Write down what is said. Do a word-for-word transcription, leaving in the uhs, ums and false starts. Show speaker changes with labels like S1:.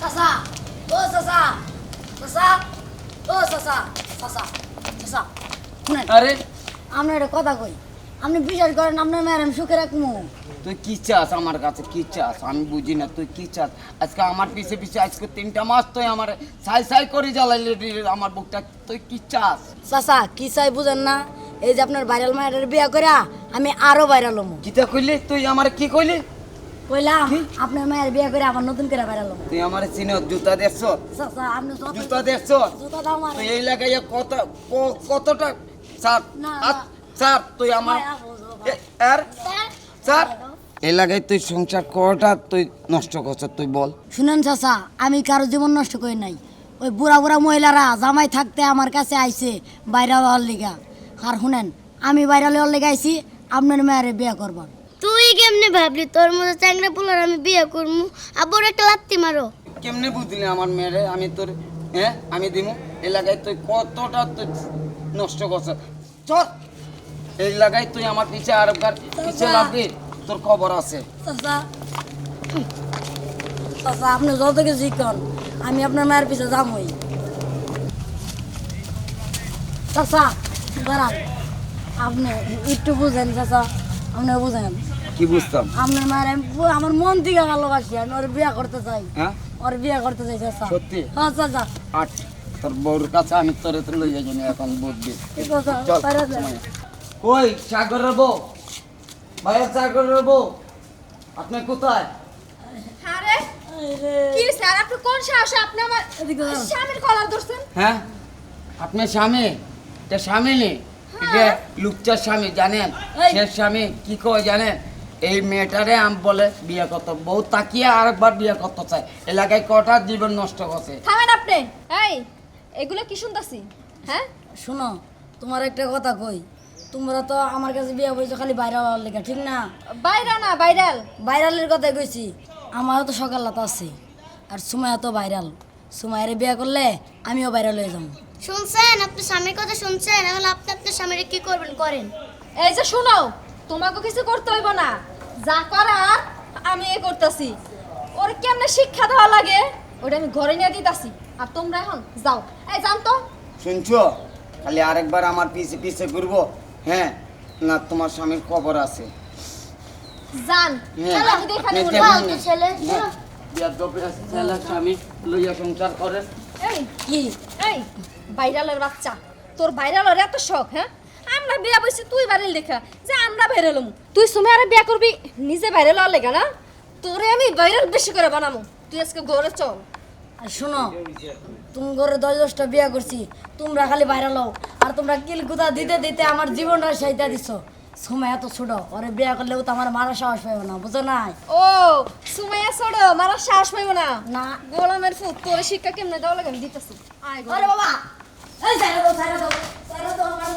S1: চাচা ও চাচা চাচা ও চাচা চাচা চাচা শুনেন
S2: আরে
S1: আপনার একটা কথা কই আপনি বিশ্বাস করেন আপনার মেয়ের আমি সুখে রাখবো
S2: তুই কি চাস আমার কাছে কি চাস আমি বুঝি না তুই কি চাস আজকে আমার পিছে পিছে আজকে তিনটা মাস তুই আমার সাই সাই করে জ্বালাইলি রে আমার বুকটা তুই কি চাস
S1: চাচা কি চাই বুঝেন না এই যে আপনার ভাইরাল মায়ের বিয়া করা আমি আরো ভাইরাল হবো
S2: কিতা কইলি তুই আমার কি কইলি
S1: কইলাম আপনার মায়ের বিয়া করে আবার নতুন করে ভাইরাল হবো
S2: তুই আমার চিনো জুতা দেখছ
S1: চাচা আপনি যত
S2: জুতা দেখছ
S1: জুতা দাও আমার
S2: তুই এই লাগাইয়া কত ক- কতটা স্যার
S1: না,
S2: আ-
S1: না।
S2: স্যার তুই আমার এ, আর স্যার এই লাগাই তুই সংসার কটা তুই নষ্ট করছ তুই বল
S1: শুনেন চাচা আমি কারো জীবন নষ্ট করি নাই ওই বুড়া বুড়া মহিলারা জামাই থাকতে আমার কাছে আইছে ভাইরাল হওয়ার লিগা আর শুনেন আমি ভাইরাল হওয়ার লিগা আইছি আপনার মেয়ের বিয়া করবার
S3: তুই কেমনে ভাবলি তোর মতো চ্যাংড়া পোলার আমি বিয়ে করবো আবার একটা লাত্তি মারো
S2: কেমনে বুঝলি আমার মেয়েরে আমি তোর হ্যাঁ আমি দিমু এই লাগাই তুই কতটা তুই নষ্ট করছ চল এই লাগাই তুই আমার পিছে আর একবার পিছে লাগবি তোর খবর আছে
S1: চাচা চাচা আপনি যত কিছু কন আমি আপনার মায়ের পিছে যামই চাচা দাঁড়ান আপনি একটু বুঝেন চাচা আপনি বুঝেন
S2: কি বুঝতাম
S1: আপনার মায়ের আমি পু- আমার মন থেকে ভালোবাসি আমি ওর বিয়া করতে চাই
S2: হ্যাঁ
S1: ওর বিয়া করতে চাই চাচা
S2: সত্যি
S1: হ্যাঁ চাচা
S2: আট তোর বউর কাছে আমি তোরে তো লইয়া যাই এখন বুঝবি
S1: চাচা
S2: চল
S1: বাইরে যান।
S2: কই সাগরের বউ ভাইয়ের সাগরের বউ আপনি কোথায়
S4: আরে
S1: আরে,
S4: কি স্যার আপনি কোন সাহসে আপনি আমার
S1: এদিকে দাঁড়ান।
S4: স্বামীর কলার ধরছেন?
S2: হ্যাঁ আপনার স্বামী এটা স্বামী নেই এটা লুকচার স্বামী জানেন
S1: এই।
S2: সে স্বামী কি কয় জানেন এই মেয়েটারে আম বলে বিয়ে করতে বউ তাকিয়ে আরেকবার বিয়ে করতে চায় এলাকায় কটা জীবন নষ্ট করছে
S4: থামেন আপনি এই এগুলো কি শুনতাছি হ্যাঁ
S1: শোনো তোমার একটা কথা কই তোমরা তো আমার কাছে বিয়া বইছো খালি বাইরে হওয়ার লেখা ঠিক না
S4: বাইরা না ভাইরাল
S1: ভাইরালের কথা কইছি আমারও তো সকাল রাত আছে আর সুমায়া তো ভাইরাল সুমায়ের বিয়া করলে আমিও ভাইরাল হয়ে যাবো
S3: শুনছেন আপনি স্বামীর কথা শুনছেন এখন আপনি আপনার স্বামীর কি করবেন করেন
S4: এই যে শুনো তোমাকে কিছু করতে হইব না যা করার আমি এ করতেছি ওর কেমনে শিক্ষা দেওয়া লাগে ওটা আমি ঘরে নিয়ে দিতেছি আর তোমরা এখন যাও এই যান তো
S2: শুনছো খালি আরেকবার আমার পিছে পিছে ঘুরবো হ্যাঁ না তোমার স্বামীর খবর আছে
S4: যান
S2: হ্যাঁ,
S4: চলো আমি দেখানি
S2: আপনি
S4: বলি।
S2: দেখুন
S3: ফালতু
S2: না।
S3: ছেলে,
S2: হ্যাঁ, বিয়ার দপে আছে, ছেলে স্বামী লইয়া সংসার করে
S4: এই
S1: কি
S4: এই ভাইরালের বাচ্চা তোর ভাইরালের এত শখ হ্যাঁ আমরা বিয়া বইছি তুই ভাইরাল দেখা যে আমরা ভাইরাল হমু তুই সময় আরে বিয়া করবি নিজে ভাইরাল হওয়ার লেগা না তোরে আমি ভাইরাল বেশি করে বানামু তুই আজকে ঘরে চল
S1: আর শোনো তুমি ঘরে দশ দশটা বিয়া করছি তোমরা খালি ভাইরাল হও আর তোমরা কিলকুতা দিতে দিতে আমার জীবনটা সাইতা দিছো সময় এত ছোট ওরে বিয়া করলেও তো আমার মারা সাহস পাইব না বুঝো না
S4: ও সুমাইয়া ছোড়ো মারা শ্বাস পাইব না
S1: না
S4: গোলামের ফুট তোরে শিক্ষা কেমনে দেওয়া লাগে আমি দিতেছি আয় গো
S1: আরে বাবা এই ছাইরা দাও ছাইরা দাও ছাইরা দাও আমার